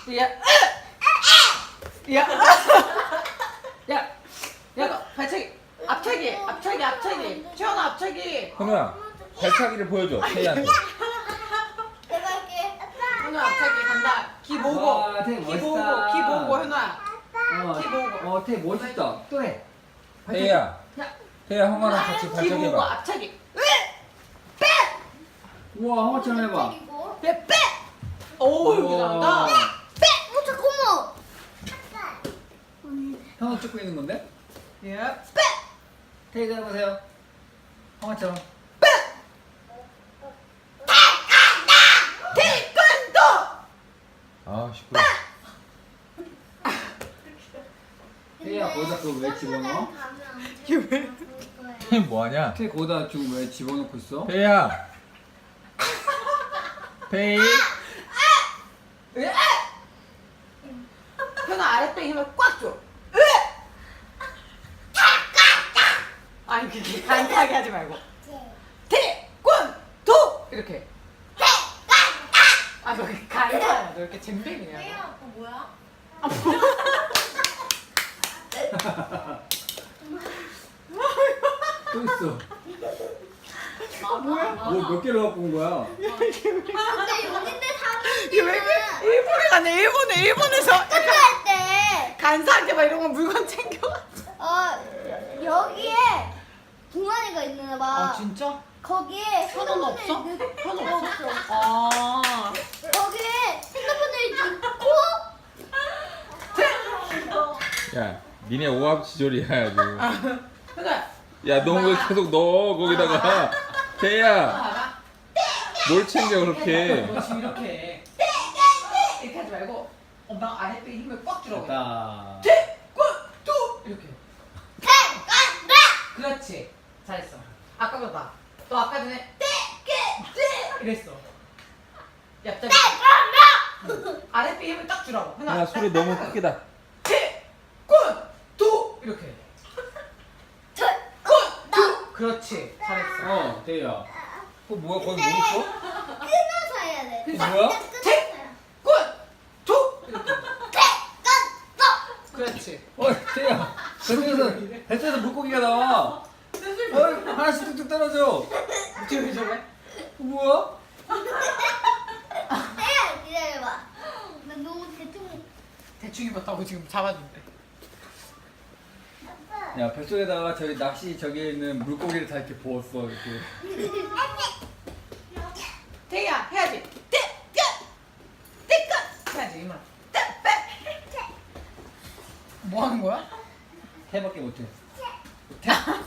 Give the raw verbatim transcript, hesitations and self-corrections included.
야, 야, 야, 야, 너 발차기, 앞차기, 앞차기, 앞차기. 채원아, 앞차기. 현우야 발차기를 보여줘 태희한테. 내가 할게. 현우야, 앞차기 간다. 기 보고, 와, 되게 기 보고, 멋있다. 기 보고, 현우야. 어, 키 보고. 어, 되게 멋있다. 또 해. 태희야 야, 태희야 형아랑 같이 기 발차기 보고, 해봐. 앞차기. 우와, 한번처럼 해봐. 그리고 야, 빼. 오, 이렇게 우와. 잘한다. 빼! 어 잠깐만. 형은 찍고 있는 건데? 야, 빼. 태희도 해보세요. 형아처럼. 태권도. 아 시끄러. 태희야, 거기다 그거 왜 집어넣어? 이게 왜? 태희 뭐하냐? 태희 거기다 지금 왜 집어넣고 있어? 태희야. 태희. 으아! 현아 아랫배 힘을 꽉 줘. 으아! 아니 그게 간단하게 하지 말고 태권도 이렇게. 아너 간단해. 너 이렇게 잼뱅이냐? 너. 아빠 뭐야? 또 있어. 아 뭐야? 뭐 몇 개를 갖고 온 거야? 근데 여긴데 이게 왜 이렇게 사람들은 일본에 가네. 일본에 일본에서 약간 할 때, 간사한테 막 이런 거 물건 챙겨가지고. 어 여기에 동아리가 있나 봐. 아 진짜? 거기에 현우는 핸드폰을 없어? 넣- 현우 없어? 없어. 아. 거기에 핸드폰을 넣고 야 니네 오합지졸이야 지금. 현아. 야 너 왜 계속 넣어 거기다가. 태희야 봐봐. 뭘 챙겨 그렇게. 너 지금 이렇게 해. 이렇게 하지 말고 엄마 아랫배 힘을 꽉 주라고. 됐다. 태권도 이렇게. 태권도. 그렇지. 잘했어. 아까보다. 너 아까 전에 떼깨떼 이랬어. 얍삽이. 아랫배 힘을 딱 주라고. 하나. 야 소리 너무 크게다. 태권도 이렇게. 태권도. 그렇지. 잘했어. 어, 태희야. 그거 뭐야? 거기 뭐 있어? 끊어서 해야 돼. 그래서 뭐야? 그냥 끊어서요. 태권도 이렇게. 태권도. 그렇지. 어, 태희야. 뱃속에서, 뱃속에서 물고기가 나와. 어, 하나씩 뚝뚝 떨어져. 지금 저래? 뭐야? 태야 기다려봐. 나 너무 대충. 대충 입었다고 지금 잡았는데. 아빠. 야, 뱃속에다가 저기 낚시 저기에 있는 물고기를 다 이렇게 부었어, 이렇게. 태희야 해야지. 태권 태권 해야지 이만. 태권. 뭐 하는 거야? 태밖에 못해. 태.